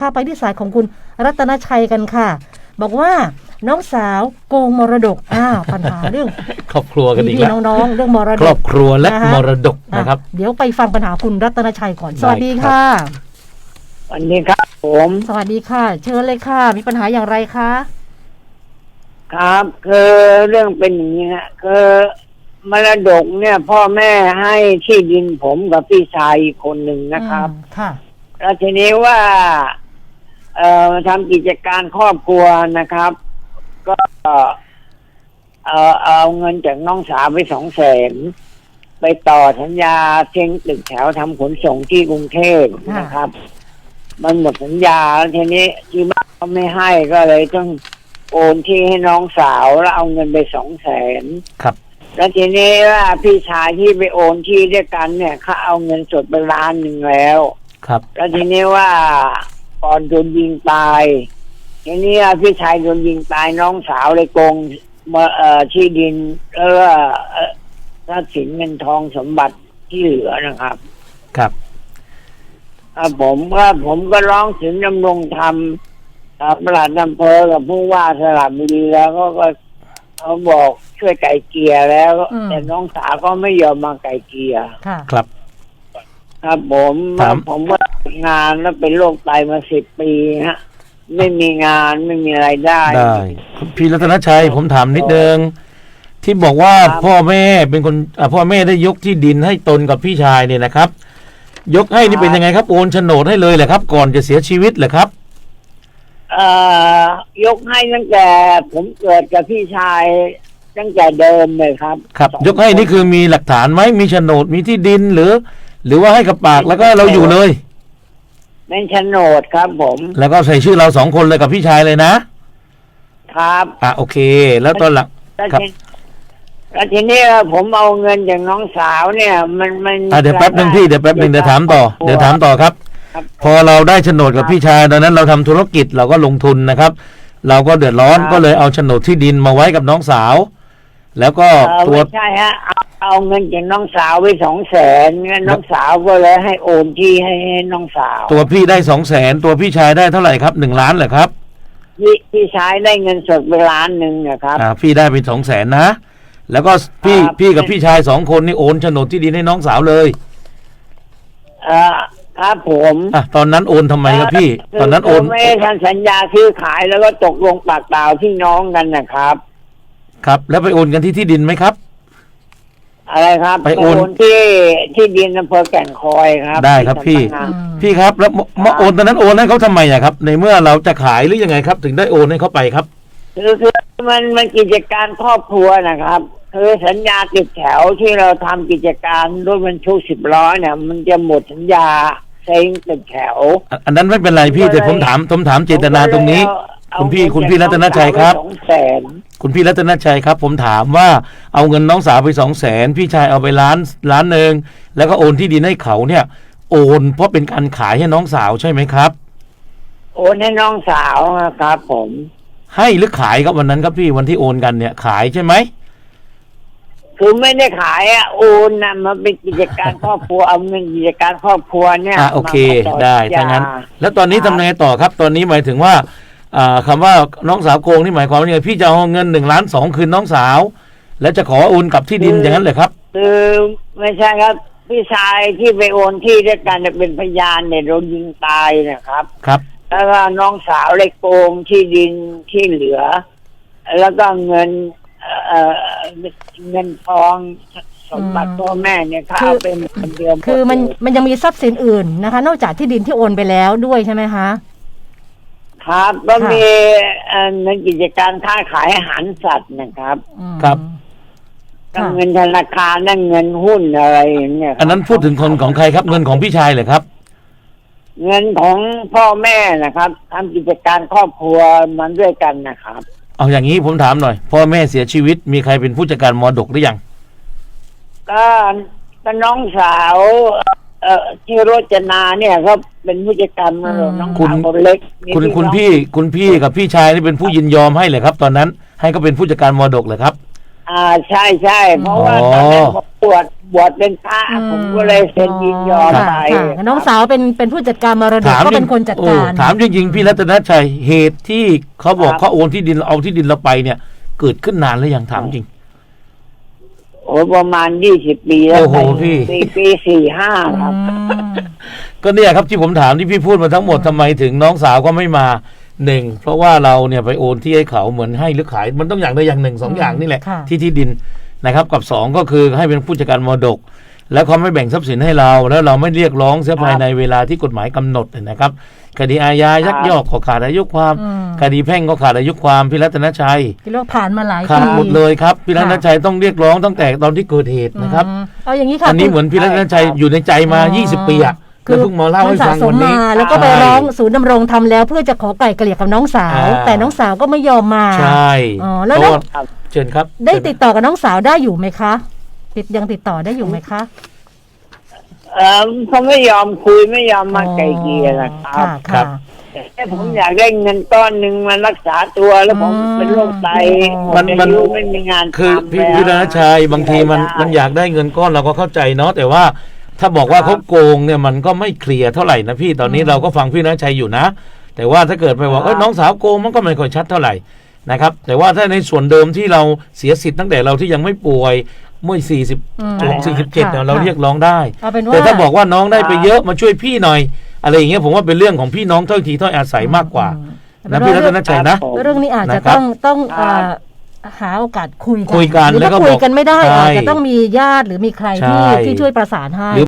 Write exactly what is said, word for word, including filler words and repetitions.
พาไปที่สายของคุณรัตนชัยกันค่ะบอกว่าน้องสาวโกงมรดกอ้าวปัญหาเรื่องครอบครัวกันอีกแล้วน้องๆเรื่องมรดกครอบครัวและมรดกนะครับเดี๋ยวไปฟังปัญหาคุณรัตนชัยก่อนสวัสดีค่ะสวัสดีครับผมสวัสดีค่ะเชิญเลยค่ะมีปัญหาอย่างไรคะครับคือเรื่องเป็นอย่างนี้ฮะคือมรดกเนี่ยพ่อแม่ให้ที่ดินผมกับพี่ชายอีกคนหนึ่งนะครับค่ะแล้วทีนี้ว่าเอ่อทำกิจการครอบครัวนะครับก็เอ่อเอาเงินจากน้องสาวไปสองแสนไปต่อสัญญาเซ็งตึกแถวทำขนส่งที่กรุงเทพนะครับมันหมดสัญญาแล้วทีนี้ที่บ้านเขาไม่ให้ก็เลยต้องโอนที่ให้น้องสาวแล้วเอาเงินไปสองแสนครับแล้วทีนี้ว่าพี่ชายที่ไปโอนที่ด้วยกันเนี่ยเขาเอาเงินสดไปล้านหนึ่งแล้วครับแล้วทีนี้ว่าก่อนโดนยิงตายทีนี้พี่ชายโดนยิงตายน้องสาวเลยโกงมาเอ่อที่ดินแล้วก็ทรัพย์สินเงินทองสมบัติที่เหลือนะครับครับครับผมก็ผมก็ร้องถึงดำรงธรรมปลัดอำเภอกับผู้ว่าสระบุรีแล้วก็ก็เขาบอกช่วยไก่เกลียแล้วแต่น้องสาวก็ไม่ยอมมาไก่เกลียครับครับผมผมว่างานแล้วเป็นโรคไตมาสิบปีฮะไม่มีงานไม่มีรายได้ได้พี่รัตนชัยผมถามนิดนึงที่บอกว่าพ่อแม่เป็นคนพ่อแม่ได้ยกที่ดินให้ตนกับพี่ชายเนี่ยนะครับยกให้นี่เป็นยังไงครับโอนโฉนดให้เลยแหละครับก่อนจะเสียชีวิตเหรอครับเอ่อยกให้ตั้งแต่ผมเกิดกับพี่ชายตั้งแต่เดิมเลยครับครับยกให้นี่คือมีหลักฐานไหมมีโฉนดมีที่ดินหรือหรือว่าให้กับปากแล้วก็เราอยู่เลยเป็นโฉนดครับผมแล้วก็ใส่ชื่อเราสองคนเลยกับพี่ชายเลยนะครับอ่ะโอเคแล้วตอนหลังครับแล้วทีนี้ผมเอาเงินจากน้องสาวเนี่ยมันมันอ่ะเดี๋ยวแป๊บนึงพี่เดี๋ยวแป๊บนึงเดี๋ยวถามต่อเดี๋ยวถามต่อครับพอเราได้โฉนดกับพี่ชายตอนนั้นเราทำธุรกิจเราก็ลงทุนนะครับเราก็เดือดร้อนก็เลยเอาโฉนดที่ดินมาไว้กับน้องสาวแล้วก็ตัวใช่ฮะเอาเงินจากน้องสาวไปสองแสนงั้นน้องสาวก็เลยให้โอนที่ให้น้องสาวตัวพี่ได้สองแสนตัวพี่ชายได้เท่าไหร่ครับหนึ่งล้านเหรอครับพี่พี่ชายได้เงินสดไปล้านหนึ่งนะครับอ่าพี่ได้เป็นสองแสนนะแล้วก็พี่พี่กับพี่ชายสองคนนี่โอนโฉนดที่ดินให้น้องสาวเลยเอ่อครับผมอ่ะตอนนั้นโอนทำไมครับพี่ตอนนั้นโอนไม่ได้ทำสัญญาซื้อขายแล้วก็ตกลงปากเปล่าพี่น้องกันนะครับครับแล้วไปโอนกันที่ที่ดินไหมครับอะไรครับไปโอนที่ที่ดินอำเภอแก่งคอยครับได้ครับพี่พี่ครับแล้วมาโอนตอนนั้นโอนให้เขาทำไมอะครับในเมื่อเราจะขายหรือยังไงครับถึงได้โอนให้เขาไปครับคือคือมันมันกิจการครอบครัวนะครับคือสัญญาติดแถวที่เราทำกิจการรถบรรทุกสิบล้อเนี่ยมันจะหมดสัญญาเซ็งติดแถวอันนั้นไม่เป็นไรพี่แต่ผมถามผมถามเจตนาตรงนี้คุณพี่คุณพี่รัตนชัยครับคุณพี่รัตนชัยครับผมถามว่าเอาเงินน้องสาวไปสองแสนพี่ชายเอาไปล้านล้านหนึ่งแล้วก็โอนที่ดินให้เขาเนี่ยโอนเพราะเป็นการขายให้น้องสาวใช่ไหมครับโอนให้น้องสาวครับผมให้หรือขายครับวันนั้นครับพี่วันที่โอนกันเนี่ยขายใช่ไหมคือไม่ได้ขายอ่ะโอนนะมันเป็นกิจการครอบครัวเอาเงินกิจการครอบครัวเนี่ยอ่ะโอเคได้ถ้างั้นแล้วตอนนี้ทำไงต่อครับตอนนี้หมายถึงว่าอ่าคำว่าน้องสาวโกงนี่หมายความว่าไงพี่จะเอาเงินหนึ่งล้านสองคืนน้องสาวแล้วจะขอโอนกับที่ดินอย่างนั้นเลยครับคือไม่ใช่ครับพี่ชายที่ไปโอนที่ด้วยกันเป็นพยานเนี่ยโดนยิงตายนะครับครับแล้วก็น้องสาวเลยโกงที่ดินที่เหลือแล้วก็เงินเอ่อเงินทองสมบัติพ่อแม่เนี่ยเขาเอาเป็นคนเดียวคือมันมันยังมีทรัพย์สินอื่นนะคะนอกจากที่ดินที่โอนไปแล้วด้วยใช่ไหมคะครับก็มีเงินกิจการค้าขายอาหารสัตว์นะครับครับเงินธนาคารนั่นเงินหุ้นอะไรอย่างเงี้ยอันนั้นพูดถึงคนของใครครับเงินของพี่ชายเหรอครับเงินของพ่อแม่นะครับทำกิจการครอบครัวมันด้วยกันนะครับเอาอย่างนี้ผมถามหน่อยพ่อแม่เสียชีวิตมีใครเป็นผู้จัดการมรดกหรือยังก็ก็น้องสาวเอ่อที่โรจนาเนี่ยก็เป็นผู้จัดการมรดกน้องสาวคนเล็กคุณคุณพี่คุณพี่กับพี่ชายนี่เป็นผู้ยินยอมให้เลยครับตอนนั้นให้ก็เป็นผู้จัดการมรดกเลยครับออ่าใช่ใช่เพราะว่าตอนนั้นผมบวชบวชเป็นพระอืมผมก็เลยเซ็นยินยอมค่ะไปค่ะน้องสาวเป็นเป็นผู้จัดการมรดกถามก็เป็นคนจัดการโอ้ถามจริงๆพี่รัตนชัยเหตุที่เขาบอกครับเขาโอนที่ดินเอาที่ดินเราไปเนี่ย เกิดขึ้นนานแล้วยังถามจริงโอ้ประมาณยี่สิบปีแล้วโอ้โหพี่ปีปีสี่ห้าครับอืมก็เนี่ยครับที่ผมถามที่พี่พูดมาทั้งหมดทำไมถึงน้องสาวก็ไม่มาหนึ่งเพราะว่าเราเนี่ยไปโอนที่ให้เขาเหมือนให้หรือขาย มันต้องอย่างใดอย่างหนึ่งสองอย่างนี่แหละค่ะที่ที่ดินนะครับ กับสองก็คือให้เป็นผู้จัดการมรดก แล้วเขาไม่แบ่งทรัพย์สินให้เรา แล้วเราไม่เรียกร้องเสียภายในเวลาที่กฎหมายกำหนดนะครับ คดีอาญายักยอกก็ขาดอายุความอืมคดีแพ่งก็ขาดอายุความพี่รัตนชัยที่เราผ่านมาหลายขาดปีหมดเลยครับพี่รัตนชัยต้องเรียกร้องตั้งแต่ตอนที่เกิดเหตุนะครับอืมเอาอย่างนี้ค่ะอันนี้คุณเหมือนพี่รัตนชัยอยู่ในใจมาอ๋อยี่สิบปีอะคืแล้วเพิ่งมาเล่าให้สะฟังสวัมนนี้มาแล้วก็ไปใช่ร้องศูนย์ดำรงธรรมแล้วเพื่อจะขอไก่เกลี่ยกับน้องสาวอ่าแต่น้องสาวก็ไม่ยอมมาใช่อ๋อแล้วเพแล้วราะาเชิญครับได้ติดต่อกับน้องสาวได้อยู่ไหมคะ ติดยังติดต่อได้อยู่ไหมคะเออเขาไม่ยอมคุยไม่ยอมมาไกลเกลี่ยนะครับค่ะครัค่ะบแต่ผมอยากได้เงินก้อนหนึ่งมารักษาตัวแล้วผมอืมเป็นโรคไตหมมัดนอามันยุไม่มีงานคือทำพี่แล้วพี่รัตนชัยบางทีมันได้มันอยากได้เงินก้อนเราก็เข้าใจเนาะแต่ว่าถ้าบอกว่าเขาโกงเนี่ยมันก็ไม่เคลียร์เท่าไหร่นะพี่ตอนนี้เราก็ฟังพี่รัตนชัยอยู่นะ แต่ว่าถ้าเกิดไปบอกเอ้ยน้องสาวโกงมันก็ไม่ค่อยชัดเท่าไหร่นะครับแต่ว่าถ้าในส่วนเดิมที่เราเสียสิทธิ์ตั้งแต่เราที่ยังไม่ป่วยเมื่อสี่สิบอืมสี่สิบเจ็ดเนี่ยค่ะเราเรียกร้องได้เอาเป็นว่าแต่ถ้าบอกว่าน้องได้ไปเยอะมาช่วยพี่หน่อย อะไรอย่างเงี้ยผมว่าเป็นเรื่องของพี่น้องถ้อยทีถ้อยอาศัยมากกว่าอืมนะพี่รัตนชัยนะผมเรื่องนี้อาจจะนะครับต้องต้องครับเอ่อหาโอกาสคุยกันคุยกันหรือแล้วก็ถ้าคุยบอกกันไม่ได้ใช่อาจจะต้องมีญาติหรือมีใครที่ใช่ที่ช่วยประสานให้หรือ